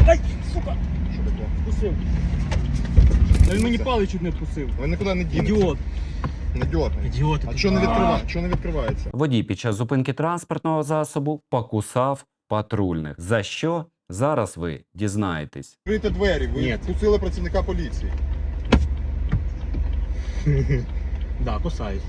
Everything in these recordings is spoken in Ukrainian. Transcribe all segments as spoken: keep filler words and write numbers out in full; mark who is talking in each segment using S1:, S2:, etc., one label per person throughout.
S1: Ай, сука!
S2: Що таке?
S1: Вкусив. Та він мені палець чуть не вкусив.
S2: Ви нікуди не дінете.
S1: Ідіот.
S2: Не дьоргай.
S1: Ідіот.
S2: А що не відкриває? Що не відкривається?
S3: Водій під час зупинки транспортного засобу покусав патрульних. За що? Зараз ви дізнаєтесь.
S2: Відкрийте двері, ви
S1: Ні.
S2: впустили працівника поліції.
S1: Да, кусаюсь.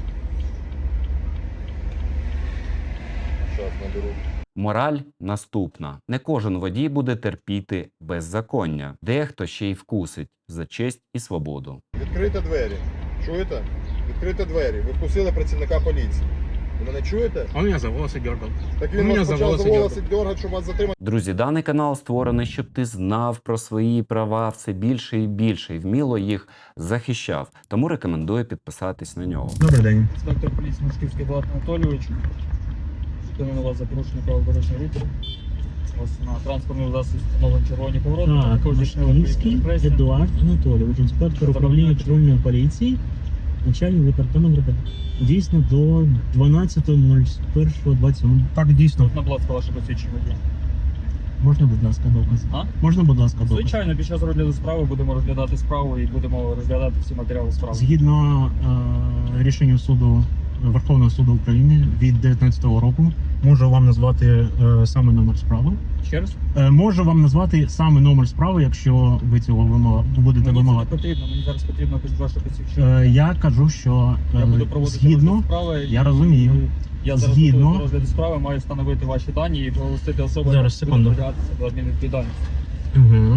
S2: Щас наберу.
S3: Мораль наступна. Не кожен водій буде терпіти беззаконня. Дехто ще й вкусить за честь і свободу.
S2: Відкрийте двері. Чуєте? Відкрийте двері. Ви впустили працівника поліції. Ви мене чуєте?
S1: Он меня за волосы дергал.
S2: Так
S1: Ну,
S2: він
S1: мене
S2: вас
S1: за
S2: почав
S1: волоси
S2: за волоси дергати, щоб вас затримати.
S3: Друзі, даний канал створений, щоб ти знав про свої права все більше і більше і вміло їх захищав. Тому рекомендую підписатись на нього.
S1: Добрий день. Інспектор поліції Мушківський Влад Анатолійович. Зупинили вас за порушення правил дорожнього руху. У вас на транспортному засобі встановлені червоні повороти.
S4: Так,
S1: Також здійснили
S4: Мушківський
S1: поліцію репресій.
S4: Едуард Анатолійович, інспектор управління патрульної поліції, начальник департаменту. Дійсно до дванадцятого першого двадцять. Так, дійсно.
S1: На, будь ласка, ваше посвідчення водія.
S4: Можна, будь ласка, доказ?
S1: А?
S4: Можна, будь ласка, доказ?
S1: Звичайно, під час розгляду справи будемо розглядати справу і будемо розглядати всі матеріали справи.
S4: Згідно е, рішенню суду Верховного суду України від дев'ятнадцятого року, можу вам назвати е, саме номер справи.
S1: Ще раз?
S4: Е, можу вам назвати саме номер справи, якщо ви цього вимога, будете
S1: Мені це не
S4: вимагати.
S1: потрібно, мені зараз потрібно якось ваше посвідчення.
S4: Е, я кажу, що е,
S1: Я буду проводити
S4: згідно,
S1: розгляд справи.
S4: я розумію.
S1: Я зараз
S4: Згідно-
S1: готовий до розгляду справи, маю встановити ваші дані і оголосити особу,
S4: Зараз,
S1: яка
S4: секунду.
S1: буде притягатися до адмінвідповідальності.
S4: Угу.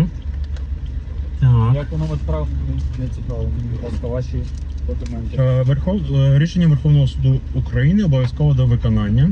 S4: Так.
S1: Як номер справи, мені не цікаво, мені, будь ласка, ваші документи.
S4: Е, Верхов... е, Рішення Верховного суду України обов'язково до виконання.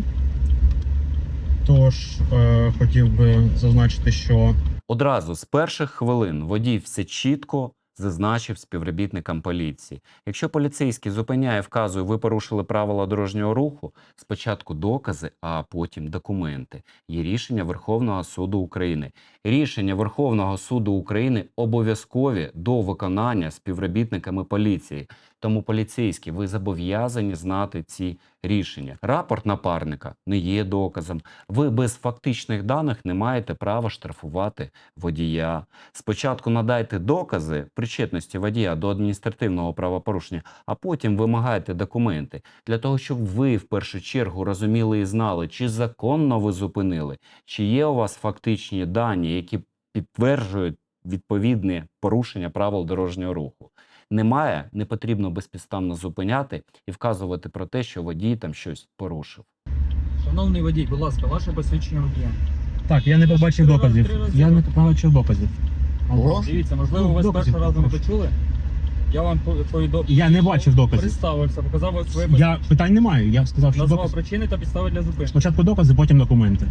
S4: Тож е, хотів би зазначити, що
S3: Одразу з перших хвилин водій все чітко зазначив співробітникам поліції. Якщо поліцейський зупиняє, вказує, ви порушили правила дорожнього руху, спочатку докази, а потім документи. Є рішення Верховного суду України. Рішення Верховного суду України обов'язкові до виконання співробітниками поліції. Тому поліцейські, ви зобов'язані знати ці рішення. Рапорт напарника не є доказом. Ви без фактичних даних не маєте права штрафувати водія. Спочатку надайте докази причетності водія до адміністративного правопорушення, а потім вимагайте документи. Для того, щоб ви в першу чергу розуміли і знали, чи законно ви зупинили, чи є у вас фактичні дані, які підтверджують відповідне порушення правил дорожнього руху. Немає, не потрібно безпідставно зупиняти і вказувати про те, що водій там щось порушив.
S1: Шановний водій, будь ласка, ваше посвідчення водія.
S4: так, я не побачив
S1: Три
S4: доказів.
S1: рази, три рази
S4: Я не
S1: доказів.
S4: побачив доказів.
S2: Ого.
S1: Дивіться, можливо,
S4: Ну,
S1: ви з
S4: доказів
S1: першого разу не
S4: попрошу.
S1: почули. Я вам повідомив.
S4: Я не бачив доказів.
S1: Представився, показав своє
S4: Я питань не маю. Я сказав, що
S1: назвав
S4: докази.
S1: причини та підстави для зупинки.
S4: Спочатку докази, потім документи.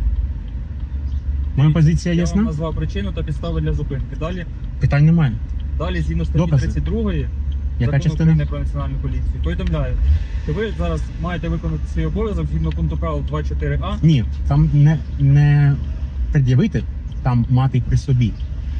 S4: Моя позиція
S1: Я вам
S4: ясна?
S1: назвав причину та підстави для зупинки. Далі,
S4: Питань немає.
S1: далі згідно статті
S4: Докази.
S1: тридцять другої
S4: Яка
S1: Закону
S4: частина?
S1: України про національну поліцію, повідомляю, що ви зараз маєте виконати свій обов'язок згідно пункту правил два чотири а.
S4: Ні, там не, не пред'явити, там мати при собі.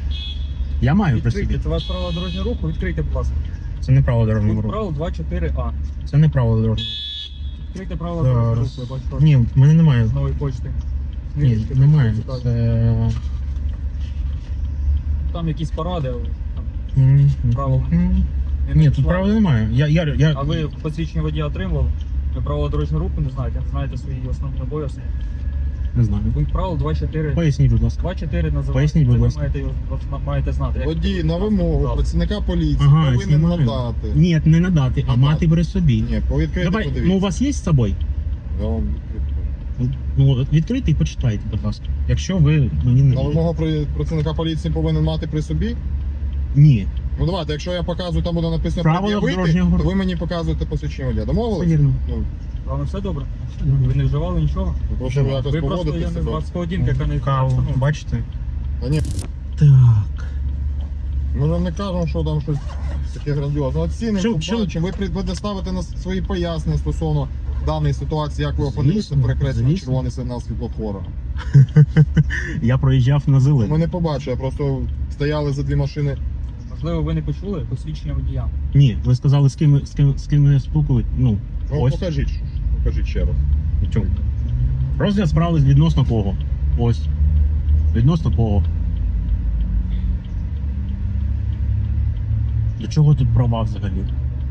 S4: Я маю при
S1: Відкрийте,
S4: собі.
S1: це ваше правило дорожнього руху, відкрийте, будь ласка.
S4: Це не право дорожнього
S1: Пункт
S4: руху.
S1: правил два чотири а.
S4: Це не право дорожнього.
S1: Відкрийте правила дорожнього руху,
S4: Зараз.
S1: я бачу, що
S4: Ні, в мене немає.
S1: з нової почти.
S4: Ні,
S1: Книжечки,
S4: немає.
S1: цікаві.
S4: Це...
S1: Там якісь поради, але там,
S4: М,
S1: правила.
S4: м.
S1: не
S4: Ні, тут
S1: знайшла.
S4: правил немає. Я, я, я...
S1: А ви посвідчення водія отримували? Ви правила дорожнього руху не знаєте, не знаєте свої основні обов'язки.
S4: Не знаю.
S1: Пункт правил два чотири.
S4: Поясніть, будь ласка.
S1: два чотири називається.
S4: Поясніть, будь
S1: Це ви
S4: ласка.
S1: маєте, його- маєте знати. як-
S2: Водій на вимогу працівника поліції
S4: Ага,
S2: повинен
S4: знімаю.
S2: надати.
S4: Ні, не надати, а
S2: Надати.
S4: мати при собі.
S2: Ні, повідкрити,
S4: Давай,
S2: подивіться.
S4: ну у вас є з собою?
S2: Я вам відкрию.
S4: Ну, от відкрийте і почитайте, будь ласка. Якщо ви мені не...
S2: На вимогу при- працівника поліції повинен мати при собі.
S4: Ні.
S2: Ну давайте, якщо я показую, там буде написано
S4: Правила
S2: пред'явити,
S4: дорожнього
S2: то
S4: руху.
S2: ви мені показуєте посвідчення водія.
S4: Все
S2: Домовились?
S4: вірно.
S2: Ну,
S1: Вам все добре? Ви не вживали нічого?
S2: прошу якось
S1: Ви просто, я
S2: поводити
S1: не
S2: себе.
S1: знаю, з поведінки, яка не
S4: Каву,
S1: встановлена.
S4: бачите?
S2: Та ні,
S4: Так.
S2: ми ж не кажемо, що там щось таке грандіозне. Оцінимо,
S4: Чим- чим-
S2: побачимо. Ви при- будете ставити на свої пояснення стосовно даної ситуації, як ви опинилися
S4: Звісно,
S2: перекреслено
S4: звісно.
S2: червоний сигнал світлофора.
S4: Я проїжджав на
S2: Ми
S4: зелений.
S2: не побачили, просто стояли за дві машини.
S1: Можливо, ви не почули посвідчення водія.
S4: Ні, ви сказали, з ким, з ким, з ким я спілкуюсь. Ну,
S2: Ну,
S4: ось.
S2: покажіть, що ж. покажіть ще раз.
S4: в чому. Розгляд справи відносно кого? Ось. Відносно кого? Для чого тут права взагалі?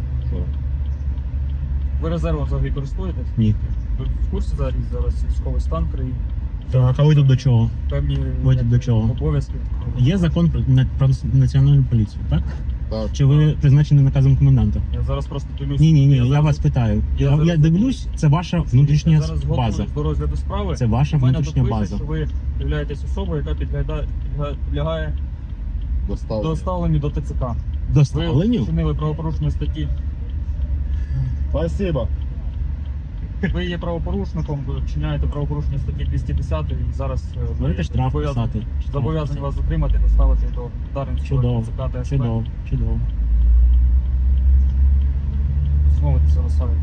S1: Ви резервом взагалі користуєтесь?
S4: Ні.
S1: Ви в курсі зараз, зараз військовий стан країни?
S4: Так, а ви тут до чого?
S1: Певні
S4: Ви тут до чого?
S1: обов'язки?
S4: Є закон про, на- про національну поліцію, так?
S2: Так.
S4: Чи ви призначені наказом коменданта?
S1: Я зараз просто дивлюсь.
S4: Ні, ні, ні, я
S1: зараз-
S4: вас питаю.
S1: я
S4: Я, я
S1: зараз-
S4: дивлюсь, це ваша внутрішня
S1: я зараз
S4: база.
S1: готуюсь до розгляду справи.
S4: Це ваша
S1: У мене
S4: внутрішня
S1: тут пише,
S4: база.
S1: що ви являєтесь особою, яка підглядає- підга- підлягає
S2: Доставлення.
S1: доставленню до ТЦК. Ви
S4: Доставленню?
S1: вчинили правопорушення статті.
S2: Спасибо.
S1: Ви є правопорушником, ви вчиняєте правопорушення статті двісті десять і зараз е, ви
S4: Будете штраф
S1: зобов'язані-
S4: писати.
S1: зобов'язані вас затримати, доставити до Дарницького
S4: Чудово,
S1: ТЦК та СП.
S4: Чудово, чудово.
S1: Знову це розставити.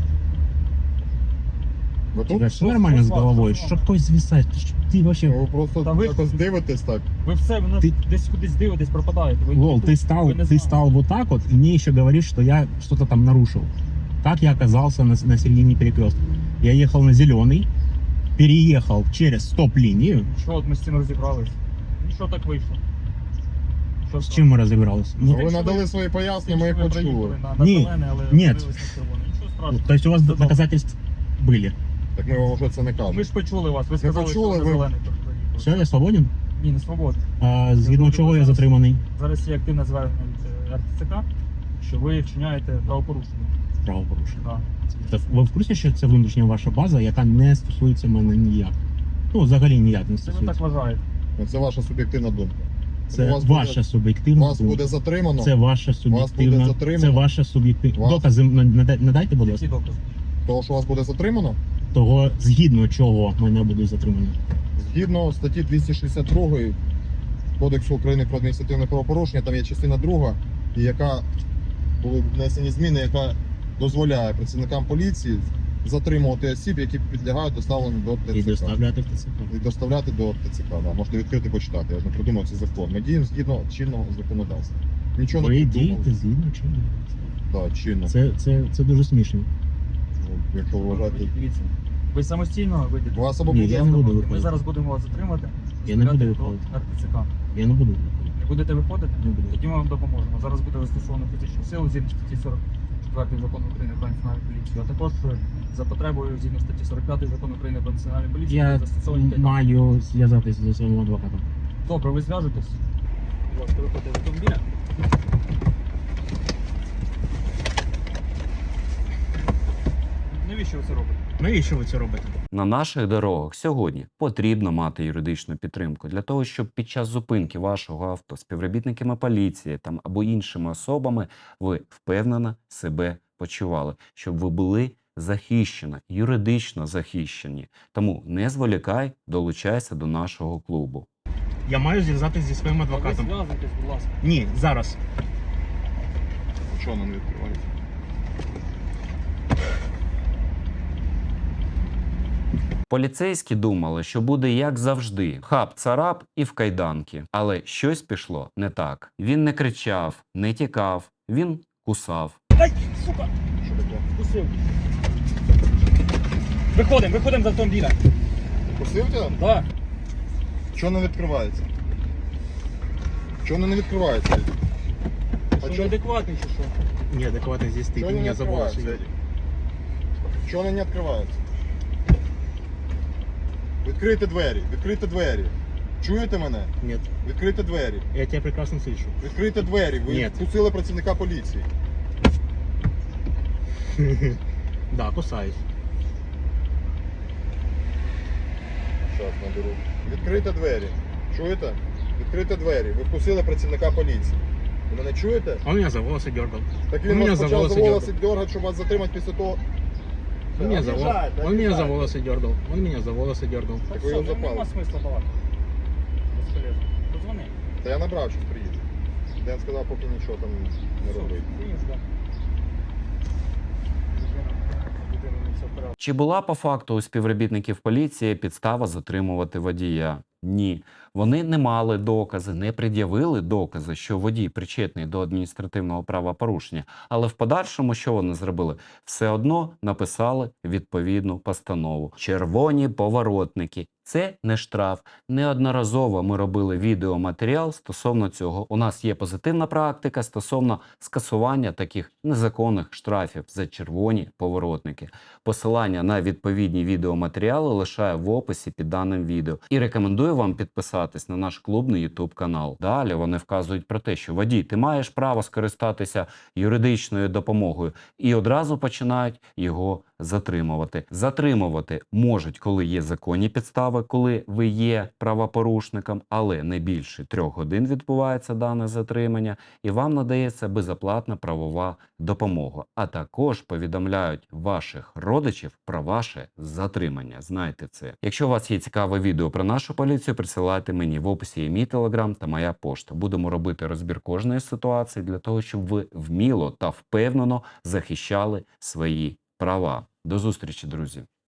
S2: Ви
S4: Тебе
S2: тут?
S4: все нормально з
S1: що з вами?
S4: головою?
S1: Що з
S4: Що
S1: вами?
S4: хтось звисає? Ти що- Ти вообще...
S2: Ви просто
S1: Та ви-
S2: якось дивитесь так.
S1: Ви все, ви нас
S4: Ти-
S1: десь кудись дивитесь, пропадаєте. Ви
S4: Лол,
S1: тут,
S4: ты стал,
S1: ви не
S4: ты
S1: знаєте.
S4: стал вот так вот, и мне еще говоришь, что я что-то там нарушил. Как я оказался на, на середине перекрестка? Я ехал на зеленый, переехал через стоп-линию.
S1: Що от ми з цим розібрались? Ну що так вийшло? Що
S4: С чем мы разобрались? Ну,
S2: Ви
S1: якщо
S2: надали
S1: ви-
S2: свої пояснення, ми їх
S1: ви
S2: почули.
S1: приїхали на, на
S4: Ні,
S1: зелене, але
S4: ні.
S1: подивились на червоне. Нічого страшного.
S4: то есть у вас
S1: Чудово.
S4: доказательств были?
S2: Так ми вам вже це не
S1: Ми
S2: кажемо.
S1: ж почули вас, ви сказали,
S2: почули,
S1: що ви
S2: ви-
S1: на зелений приїхали.
S4: Все, я свободен?
S1: Ні, не свободно.
S4: А, згідно чого я затриманий?
S1: Зараз є активне звернення від е, РТЦК, що ви вчиняєте правопорушення.
S4: Правопорушення.
S1: Да.
S4: Та ви в курсі, що це внутрішня ваша база, яка не стосується мене ніяк? Ну, взагалі ніяк не
S1: Це ви так
S4: стосується.
S1: вважаєте.
S2: Ну, це ваша суб'єктивна думка.
S4: Це
S2: вас буде-
S4: ваша суб'єктивна
S2: Вас
S4: думка.
S2: буде затримано.
S4: Це ваша суб'єктивна.
S2: затримано.
S4: Це ваша суб'єктивна.
S2: Вас-
S4: Докази нада- надайте, будь ласка.
S1: Які докази?
S2: Того, що вас буде затримано,
S4: Того, згідно чого мене будуть затримані.
S2: згідно статті двісті шістдесят два Кодексу України про адміністративне правопорушення, там є частина друга, і яка були внесені зміни, яка дозволяє працівникам поліції затримувати осіб, які підлягають доставленню до ТЦК.
S4: І доставляти в ТЦК.
S2: І доставляти до ТЦК. Да. Можете відкрити почитати. Я ж не придумав цей закон. Ми діємо згідно чинного законодавства. Нічого
S4: Ви
S2: не
S4: дієте
S2: придумали.
S4: згідно чого?
S2: Да, чинно.
S4: Це, це, це дуже смішно.
S2: Ну, якщо ви вважаєте.
S1: Дивіться. Ви самостійно вийдете.
S2: У вас або
S4: Ні,
S2: буде
S4: я не буду
S1: Ми
S4: виходити.
S1: зараз будемо вас затримати.
S4: Я не буду
S1: доставляти до
S4: виходити.
S1: РТЦК.
S4: Я не буду виходити.
S1: Не будете виходити?
S4: Не буду.
S1: Тоді ми вам допоможемо. Зараз буде застосовано фізичну силу згідно статті сорок четвертої закону України про національну поліцію. А також е, за потребою згідно статті сорок п'ятої закону України про національну поліцію
S4: Я
S1: застосовані кайданки.
S4: маю зв'язатися зі своїм адвокатом.
S1: Добре, ви зв'яжетесь. Будь ласка, виходьте з автомобіля. Навіщо ви це робите?
S4: Навіщо ви це робите?
S3: На наших дорогах сьогодні потрібно мати юридичну підтримку для того, щоб під час зупинки вашого авто співробітниками поліції там або іншими особами ви впевнено себе почували, щоб ви були захищені, юридично захищені. Тому не зволікай, долучайся до нашого клубу.
S4: Я маю зв'язатися зі своїм
S1: Ви
S4: адвокатом.
S1: зв'язуйтесь, будь ласка.
S4: Ні, зараз.
S2: Чого нам не відкривається?
S3: Поліцейські думали, що буде як завжди: хап-царап і в кайданки. Але щось пішло не так. Він не кричав, не тікав, він кусав.
S1: Ай, сука!
S2: Що таке?
S1: Вкусив. Виходимо, виходимо з автомобіля.
S2: Пустив тебе?
S1: Так.
S2: Чого не відкривається? Чого не відкривається? А
S1: Що
S2: чого
S1: неадекватний чи що?
S4: Неадекватно здесь ты,
S2: чого
S4: ты
S2: не
S4: меня за волосы.
S2: відкривається? Чого не відкривається? Відкрийте двері, відкрийте двері. Чуєте мене?
S4: Нет,
S2: Відкрийте двері.
S4: я тебя прекрасно слышу.
S2: Відкрийте двері. Ви
S4: Ні.
S2: впустили працівника поліції.
S4: Да, кусаюсь.
S2: Зараз наберу. Відкрийте двері. Чуєте? Відкрийте двері. Ви впустили працівника поліції. Ви мене чуєте?
S4: Он меня за волосы дергал.
S2: Так
S4: Он
S2: він
S4: меня
S2: вас
S4: за
S2: почав за
S4: волосы
S2: волоси
S4: дергал.
S2: дергати, щоб вас затримати після того.
S4: Он меня за, вол-
S2: Обіжайте,
S4: он меня за
S2: обіжайте.
S4: волосы дергал. Он меня за волосы дергал.
S1: Так
S2: Так ви
S1: все,
S2: його
S1: ну,
S2: запали.
S1: нема смисла балакати. Безполезно. Позвони.
S2: Та я набрав, щось приїде. Ден сказав, поки нічого там не
S1: Все,
S2: робить.
S1: стоїм, ждемо. Людина- людина не все вперед.
S3: Чи була по факту у співробітників поліції підстава затримувати водія? Ні. Вони не мали докази, не пред'явили докази, що водій причетний до адміністративного правопорушення. Але в подальшому, що вони зробили? Все одно написали відповідну постанову. Червоні поворотники. Це не штраф. Неодноразово ми робили відеоматеріал стосовно цього. У нас є позитивна практика стосовно скасування таких незаконних штрафів за червоні поворотники. Посилання на відповідні відеоматеріали лишаю в описі під даним відео. І рекомендую вам підписатись на наш клубний YouTube канал. Далі вони вказують про те, що водій, ти маєш право скористатися юридичною допомогою, і одразу починають його затримувати. Затримувати можуть, коли є законні підстави, коли ви є правопорушником, але не більше трьох годин відбувається дане затримання, і вам надається безоплатна правова допомога. А також повідомляють ваших родичів про ваше затримання. Знайте це. Якщо у вас є цікаве відео про нашу поліцію, присилайте мені. В описі є мій телеграм та моя пошта. Будемо робити розбір кожної ситуації для того, щоб ви вміло та впевнено захищали свої права. До зустрічі, друзі!